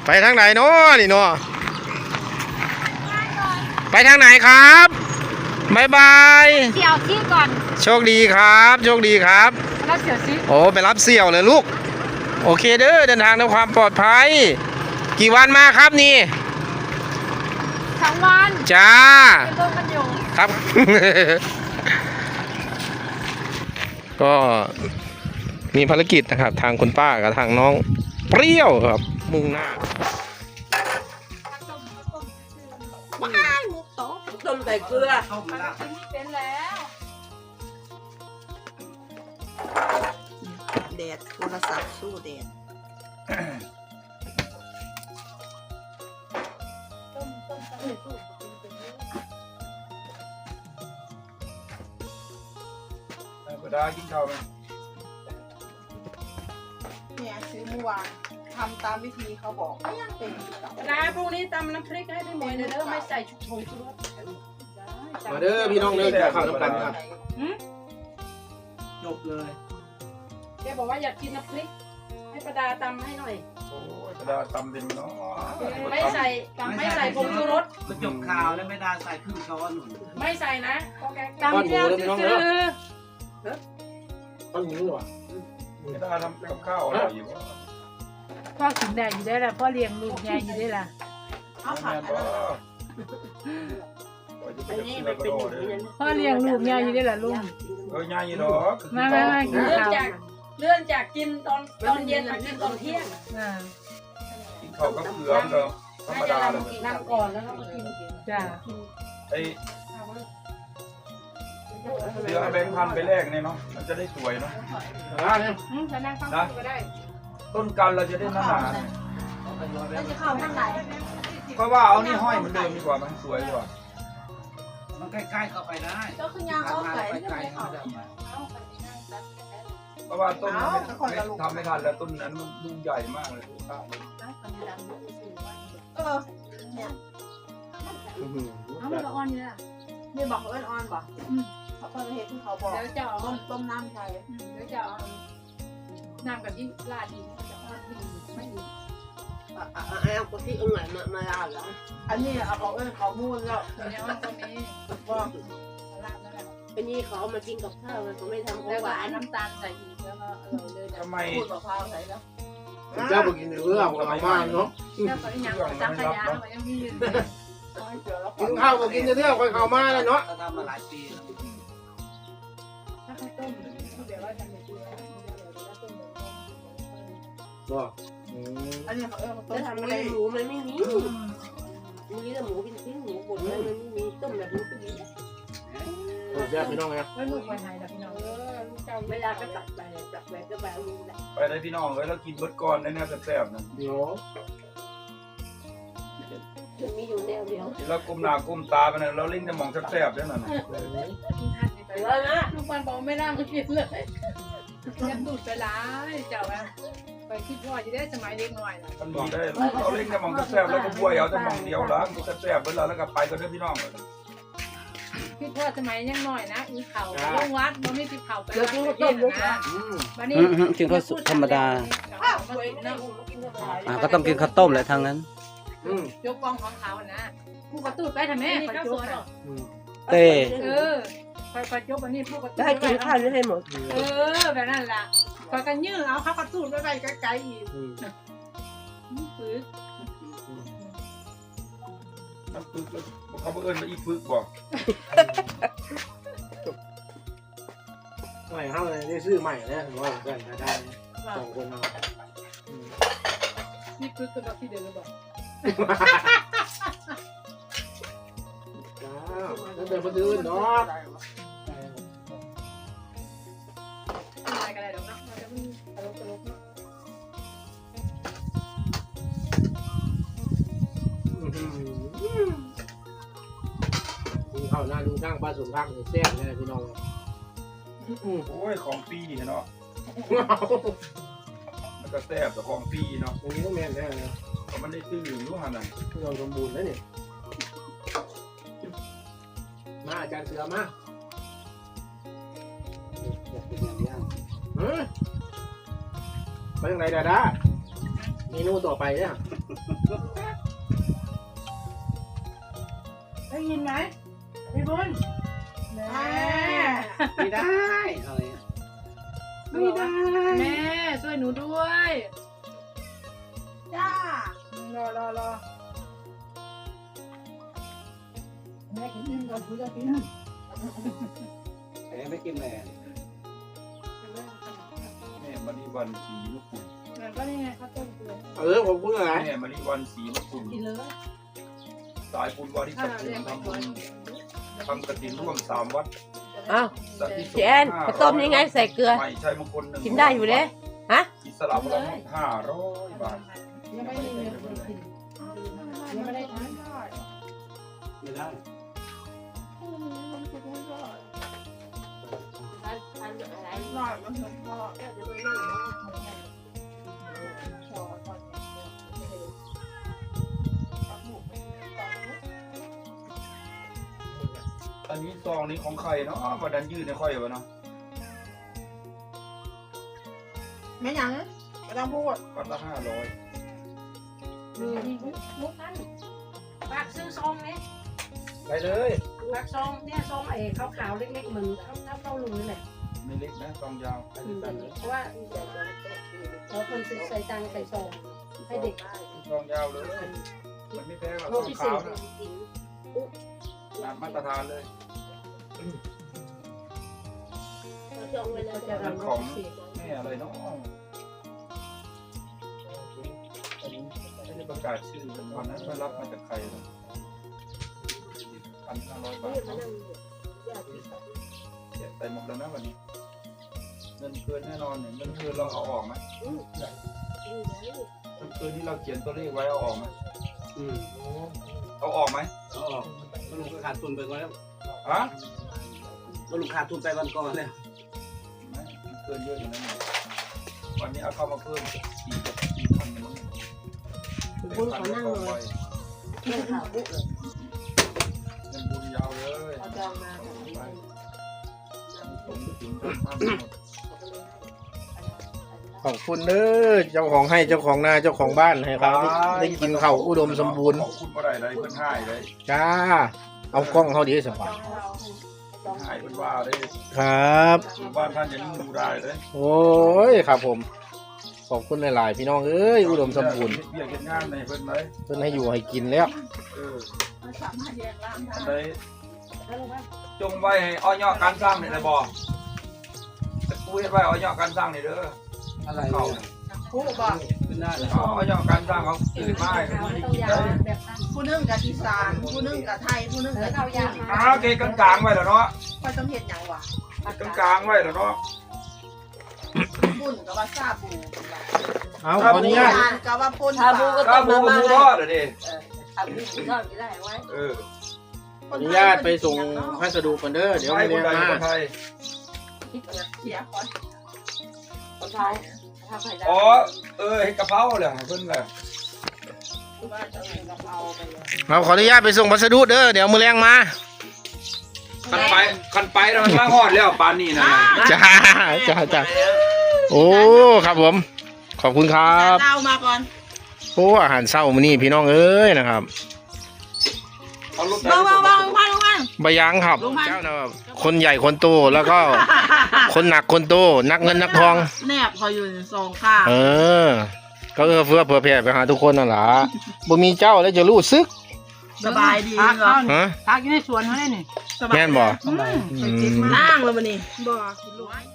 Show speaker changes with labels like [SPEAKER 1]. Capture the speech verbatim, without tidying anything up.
[SPEAKER 1] ไปทางไหนเนาะนี่เนาะไปทางไหนครับบายบาย
[SPEAKER 2] เสี่ยวซี่ก่อน
[SPEAKER 1] โชคดีครับโชคดีครับ
[SPEAKER 2] แล้วเสี่ยวซี่
[SPEAKER 1] โอ้ไปรับเสี่ยวเลยลูกโอเคเด้อเดินทางด้วยความปลอดภัยกี่วันมาครับนี่
[SPEAKER 2] ทั้งวัน
[SPEAKER 1] จ้า
[SPEAKER 2] เป็นเรื่องกันอยู่
[SPEAKER 1] ครับ ก็มีภารกิจนะครับทางคุณป้ากับทางน้องเปรี้ยวครับมุ่งหน้า
[SPEAKER 3] ว้ายมุกโต๊ะต้มใส่เกลือ
[SPEAKER 2] เป็นแล้ว
[SPEAKER 3] แดดโทรศัพท์สู้แดด
[SPEAKER 4] กระดากินข้าวไหม
[SPEAKER 3] เนี่ยซื้อเมื่อวานทำตามวิธีเขาบอกก็ยังเป็น
[SPEAKER 5] นะพรุ่งนี้ตำน้ำพริกให้ได้หมดเลยเด้อไม่ใส่ชุบชงชุรส
[SPEAKER 1] มาเด้อพี่น้องเด้อข้าวน้ำกันครับ
[SPEAKER 4] จบเลย
[SPEAKER 5] แกบอกว่าอยากกินน้ำพริกให้ประดาตำให้หน่อย
[SPEAKER 4] โอ้ยกระดาตำเป็นเนาะ
[SPEAKER 5] ไม่ใส่ไม่ใส่ผงชูรส
[SPEAKER 6] ก็จบข่าวแล้วไม่ได้ใส่ครึ่งช้อนหนุน
[SPEAKER 5] ไม่ใส่นะ
[SPEAKER 1] ตำเจียวซื่อต้นหมูอ่ะ
[SPEAKER 4] กระดาทำกับข้าวอร่อยอยู่
[SPEAKER 2] พ่อกินได้อยู่ได้ละพ่อเลี้ยงลูกใหญ่อยู่ได้ละ
[SPEAKER 3] เอาผัก
[SPEAKER 2] พ่อเลี้ยงลูกใหญ่อยู่ได้ละลุง
[SPEAKER 4] เออง่ายอยู่ดอก
[SPEAKER 2] มามามากินข้าว
[SPEAKER 5] เลื่อนจากกินตอนตอนเย็นมากินตอนเที่ยง
[SPEAKER 4] กินข้าวกับเกลือก็ธรรมดาเลย
[SPEAKER 5] นั่งก่อนแล้วก็มากิน
[SPEAKER 2] จ้า
[SPEAKER 4] ไอเดี๋ยวแบงค์พันไปแลกเนี่ยเนาะมันจะได้สวยเนาะนะต้นกันเราจะได้หนาหนาเพราะว่าเอานี่ห้อยเหมือนเดิมดีกว่ามันสวยกว่า
[SPEAKER 6] มันใกล้ๆเข้าไปได้
[SPEAKER 3] ก็คือยางเขาใส่
[SPEAKER 6] ไปไกลเขา
[SPEAKER 4] เพราะว่าต้นนั้นทำไม่ทันแล้วต้นนั้นมันลูกใหญ่มากเลยข้าว
[SPEAKER 3] เออเนี่ย
[SPEAKER 2] เอามันอ่อนอยู่ละ
[SPEAKER 3] นี่บอกเขาเป็นอ่อนบอกเขาเป็นเหตุที่เขาบอก
[SPEAKER 2] เดี๋ยวจะเอา
[SPEAKER 3] ต้มต้มน้ำใส่
[SPEAKER 2] เดี๋ยวจะเอาน้ำกับที่ลาดดีมันจะอ่อนดีไม่ดี
[SPEAKER 3] อ่ะอ่ะเอาคนที่อื่นมามาลาดแล้วอันนี้เอาเขาเอ้เขามูนแล้ว
[SPEAKER 2] เนี่ยมันก็มี
[SPEAKER 3] ว่า
[SPEAKER 2] ลาดแล้วแหละ
[SPEAKER 3] อันนี้เขามากินกับข้าวเขาไม่ทำของหวาน
[SPEAKER 2] น้ำตาลใส่อีกแล้วก็อร่อยเลย
[SPEAKER 4] ทำไม
[SPEAKER 3] พูดมะพร้าวใส่แล้ว
[SPEAKER 1] เจ้าบอกกินเรื่องของเรามากเนาะ
[SPEAKER 2] เจ้าก็ยังจังขยะมันยังมีอยู่
[SPEAKER 1] กินข้าวบอกกินเรื่องของเขามากเลยเนาะ
[SPEAKER 6] ทำมาหลายปี
[SPEAKER 2] ถ้าข้าวต้มเดี๋ยวว่าทำแบบนี้
[SPEAKER 1] ก็
[SPEAKER 3] อันนี้เขาเออเขาทำอะไรหมูมันไม่มีมีแต่หมูเป็นชิ้นหมูบดมันไม่มีต้มแบบนี้ก็มี
[SPEAKER 1] แยกพี่น้องไง
[SPEAKER 2] ไม่ลูกไปไทยนะพี่น้อง
[SPEAKER 3] เวลาก็ตัดไปตัดไปก็แบบนี้แหละ
[SPEAKER 4] ไปได้พี่น้องเลยแล้วกินเบิร์ดก้อนได้แน่แซ่บๆนะ
[SPEAKER 1] เดี๋ยว
[SPEAKER 3] มันมีอยู่แนวเดียว
[SPEAKER 4] แล้วก้มหน้าก้มตาไปนะเราเล่นจะมองแซ่บๆได้นั่น
[SPEAKER 3] แล้วนะ
[SPEAKER 2] ลูกบอลบอกไม่น่ามากินเลยจะดูดไปร้ายเจ้าอะไปคิดว่าจะได้สมัยเด็กหน่อยนะ
[SPEAKER 4] มันบอกได้เราเล่นจะมองแซ่บแล้วก็บวยเอาจะมองเดียวแล้วแซ่บๆเวลาแล้วก็ไปก็ได้พี่น้องเลย
[SPEAKER 2] คิดว่าสมัยยังหน่อยนะอีเขาลงวัดมันไม่ติดเขาไปแล้วก็ต้มนะวันนี้
[SPEAKER 6] กินข้าวธรรมดาก็ต้องกินข้าวต้มแหละทางนั้น
[SPEAKER 2] ยกกองของเขานะผู้กระตุ้นไปทำไมไปยก
[SPEAKER 6] เต้
[SPEAKER 2] เออไปไปยกอันนี้ผู้กระตุ้น
[SPEAKER 3] ได้กินข้าวไม่ให้หมด
[SPEAKER 2] เออแบบนั้นแหละไปกันยื้อเอาข้าวกระตุ้นไปไปไกลๆอีกฟื้น
[SPEAKER 4] มันปึกเขาเอิญมาอีปึกบอก
[SPEAKER 1] ใหม่เข้าเลยได้ซื้อใหม่เนี่ยถือว่าได้ได้สองคนเอา
[SPEAKER 2] นี่คือตัวที่เดินหรือเปล่า
[SPEAKER 1] แล้วเดินมาดื้อเนาะ
[SPEAKER 2] อะไรกันอะไรหรอกนะมันจะมันตลกตลกเนาะ
[SPEAKER 1] เข้าหน้าดูข้างปลาสุนข้างแซ่บเลยพี่น้อง
[SPEAKER 4] โอ้ยของปีเนาะมันก็แซ่บแต่ของปีเนาะ
[SPEAKER 1] อย่างนี้ต้องแม่นแน่เลย
[SPEAKER 4] เพราะมันได้ตื้อรู้หันน่ะ
[SPEAKER 1] เราสมบูรณ์แล้วนี่มาอาจารย์เสือมาไปยังไงดาด้าเมนูต่อไปเนี่ย
[SPEAKER 5] ได้ยินไหมพี่บุญแม่
[SPEAKER 6] ไม่ได้อะไร
[SPEAKER 5] ไม่ได้แม่ช่วยหนูด้วยจ้ารอรอรอแม่กินนึ่งก่อนคุณจะกิน
[SPEAKER 6] แหมไม่กินเลย
[SPEAKER 4] แม่มาริวันสีมะกรูด
[SPEAKER 5] แม่ก็นี่ไงข้าวต้มเกลือ
[SPEAKER 1] เออผมพูดอะไร
[SPEAKER 4] แม่มาริวันสีมะกรูด
[SPEAKER 5] กินเลย
[SPEAKER 4] สายบุญวาริสัตว์ทำบุญทำกฐินร่วมสามวัด
[SPEAKER 3] อ้าว
[SPEAKER 4] สัตว์ที่
[SPEAKER 3] เจนข้าวต้มยังไงใส่เกลือ
[SPEAKER 4] ไม่ใช่มงคลหนึ่ง
[SPEAKER 3] กินได้อยู่เด้ฮะ
[SPEAKER 4] อิสระพลังห้าร้อยบาท
[SPEAKER 5] ยังไม่ได้เงินเลยกินยังไม่ได้ทาน
[SPEAKER 6] ไม่ได้
[SPEAKER 5] หน่อยมันถึงพอ
[SPEAKER 4] อันนี้ซองนี้ของใครเนาะมาดันยืดในค่อยวะเนาะ
[SPEAKER 5] ไม่ยังไม่ต้องพูด
[SPEAKER 4] วัดละห้าร้อย
[SPEAKER 2] มุกนั้นฝากซื้อซองนี้
[SPEAKER 1] ไปเลย
[SPEAKER 2] ฝากซองเนี่ยซองไอ้ขาวๆเล็กๆเหมือนข้าวข้าวเต้าหู้นี่แหละ
[SPEAKER 4] ไม่เล็กนะซองยาว
[SPEAKER 2] เพราะว่าเราคนใส่ตังใส่ซองให้เด็ก
[SPEAKER 4] ซองยาวเลยมันไม่แพงหรอกซองขาวนะตามมาตรฐานเลย
[SPEAKER 2] จะรำของ
[SPEAKER 4] แม่อะไรเนาะอันนี้ไม่ได้ประกาศชื่อวันนั้นไปรับมาจากใครนะพันห้าร้อยบาทเสียใจหมดแล้วนะวันนี้เงินเกินแน่นอนเนี่ยเงินเกินเราเอาออกไหมเงินเกินที่เราเขียนตัวเลขไว้เอาออกไหม
[SPEAKER 6] อืม
[SPEAKER 4] เอาออกไหม
[SPEAKER 6] เอาออกก็ลุงก็ขาดทุนไปก่อนแล้ว
[SPEAKER 4] ฮะ
[SPEAKER 6] ก็ลุงขาดทุนไปวันก่อนแล้ว
[SPEAKER 4] ไม่เกินเยอะอยู่นะเนี่ยวันนี้เอาเข้ามาเพิ่มสี่สี่พันเนี่ยมั้ง
[SPEAKER 3] บุญขอนั่งเลย
[SPEAKER 4] เงินบุญยาวเลย
[SPEAKER 3] เอาจองมา
[SPEAKER 4] ผมถึงทำหมด
[SPEAKER 1] ขอบคุณเด้อเจ้าของให้เจ้าของนาเจ้าของบ้านให้เขาได้ได้กินข้าวอุดมสมบูรณ์
[SPEAKER 4] ขอบคุณบ่ได้เลยเพิ่นให้เลย
[SPEAKER 1] จ้า เอากล้องเขาดีสบาย
[SPEAKER 4] ให้เพิ่นว่าเลย
[SPEAKER 1] ครับ
[SPEAKER 4] บ้านท่านอยังนิ่งดูได้เลย
[SPEAKER 1] โอ้ยครับผม ขอบคุณหลายๆพี่น้องเอ้ยอุดมสมบูรณ์
[SPEAKER 4] เฮ็ดเบี้ยเฮ็ดงานในเพิ่นเลย
[SPEAKER 1] เพิ่นให้อยู่ให้กินแล้ว
[SPEAKER 4] เอออันใดจงไว้ให้อ้อยอการสร้างนี่ได้บ่แต่กูเฮ็ดไว้อ้อยอการสร้างนี่เด้อ
[SPEAKER 6] อะไร
[SPEAKER 4] เขา
[SPEAKER 5] พูดบอก
[SPEAKER 6] ขึ้นได้เลย
[SPEAKER 4] เอาอ้อยอการสร้างเขาซื้อมาให้เขาไม่ได้กินได้
[SPEAKER 5] ผู้นึ่งกับอีสานผู้นึ่งกับไทยผู้นึ่งกับจีน
[SPEAKER 4] อ้าวเกกกลางๆไว้แล้วเนาะ
[SPEAKER 5] คอยต้องเห็นอย่างวะ
[SPEAKER 4] กลางๆไว้แล้วเนาะ
[SPEAKER 5] ปุ่นกับว่าซาบู
[SPEAKER 1] เอาขออนุญาต
[SPEAKER 5] กับว่าปุ่น
[SPEAKER 3] ชาบูก็
[SPEAKER 4] ถ้า
[SPEAKER 3] ต้ม
[SPEAKER 4] หมู
[SPEAKER 3] มา
[SPEAKER 4] กับหมู
[SPEAKER 3] ม่า
[SPEAKER 4] ทอดเหรอดิ
[SPEAKER 3] ทำนี่ทอดก็ได้ไว้
[SPEAKER 4] เออ
[SPEAKER 1] ขออนุญาตไปส่งพัสดุก่อนเด้อเดี๋ยว
[SPEAKER 4] ไท
[SPEAKER 1] ไม่
[SPEAKER 4] ยค
[SPEAKER 1] เรีย
[SPEAKER 4] น
[SPEAKER 1] น
[SPEAKER 4] ใด
[SPEAKER 1] มา
[SPEAKER 4] คนไทย
[SPEAKER 5] เสียคอน
[SPEAKER 3] คนไทยทำไข่ดาว
[SPEAKER 4] อ๋อเออเฮ็ดกะเพราแหละเพิ่นแหละ
[SPEAKER 5] ว่าจะเป็นกะเพราไปเลย
[SPEAKER 1] เราขออนุญาตไปส่งพัสดุเด้อเดี๋ยวมือแรงมา
[SPEAKER 4] คันไปคันไปแล้วมันมาฮอดแล้วปานนี้นะ
[SPEAKER 1] จ้าจ้าจ้าโอ้ครับผม ขอบคุณครับ
[SPEAKER 5] เต้ามาก่อน
[SPEAKER 1] โอ้อาหารเช้ามื้อนี้พี่น้องเอ้ยนะครับ
[SPEAKER 4] เอารถ
[SPEAKER 5] บ้างบ้างบ้างบ้างบ้าง
[SPEAKER 1] บะยังครับเจ้านะครับคนใหญ่คนโตแล้วก็ คนหนักคนโตนักเงินนักทอง
[SPEAKER 5] แนบพออยู่สองข้าง
[SPEAKER 1] เออ ก็เอื้อเฟื้อเผื่อแผ่ไปหาทุกคนนั่นล่ะบ่มีเจ้าแล้วจะรู้สึก
[SPEAKER 5] สบายดีเหรอ
[SPEAKER 1] ฮะ
[SPEAKER 2] พักอยู่ในสวนเขาได้นี่
[SPEAKER 1] แม่นบ่
[SPEAKER 5] อืม
[SPEAKER 1] อืม
[SPEAKER 5] ล่างแล้วมันนี่บ่กินลูก